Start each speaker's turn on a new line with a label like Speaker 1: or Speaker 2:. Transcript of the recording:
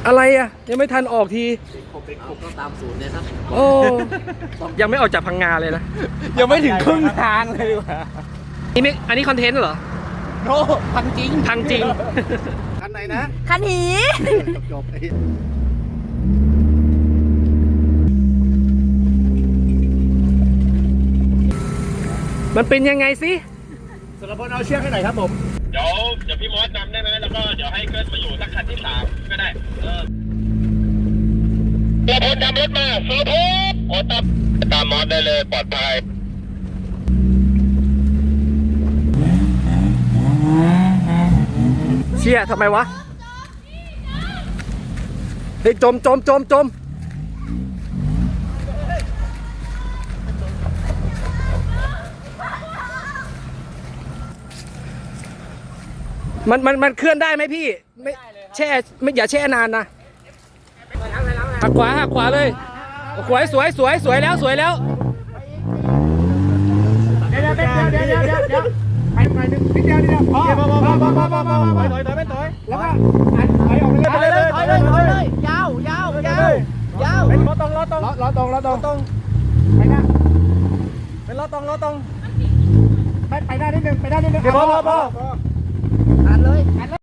Speaker 1: อะไรอ่ะยังไม่ทันออกที
Speaker 2: ก็ตามศูนย์เนี่ยครับ
Speaker 1: โอ้ยังไม่ออกจากพังงาเลยนะ
Speaker 3: ยังไม่ถึงครึ่งทางเลยดีกว่า
Speaker 1: อันนี้คอนเทนต์เหรอ
Speaker 3: โนพังจริง
Speaker 1: พังจริง
Speaker 3: คันไหนนะ
Speaker 4: คันหี
Speaker 3: จบ
Speaker 1: มันเป็นยังไงสิ
Speaker 3: สารพลเอาเชือกให้หน่อยครับผม
Speaker 5: เดี๋ยวพี่มอสนำได้ไหมแล้วก็เดี๋ยวให้เกิร์ตมาอยู่สักคันที่3ก็ได้สารพลนำรถมาสารพลโอ้ตามมอสได้เลยปลอดภัย
Speaker 1: เชี่ยทำไมวะเฮ้ยจมมันเคลื่อนได้ไหมพี่ไม่แช่ไม่อย่าแช่นานนะหักขวาเลยสวยแล้ว
Speaker 3: เดี๋ยวไปหนึ่งนิดเดียวพอถอยไม่ถอยแล้วก็ถอยเลยยาวเป็นล้อตรงไปหน้าเป็นล้อตรงไปได้นิดนึงเดี๋ยวพอ
Speaker 4: ตัดเลย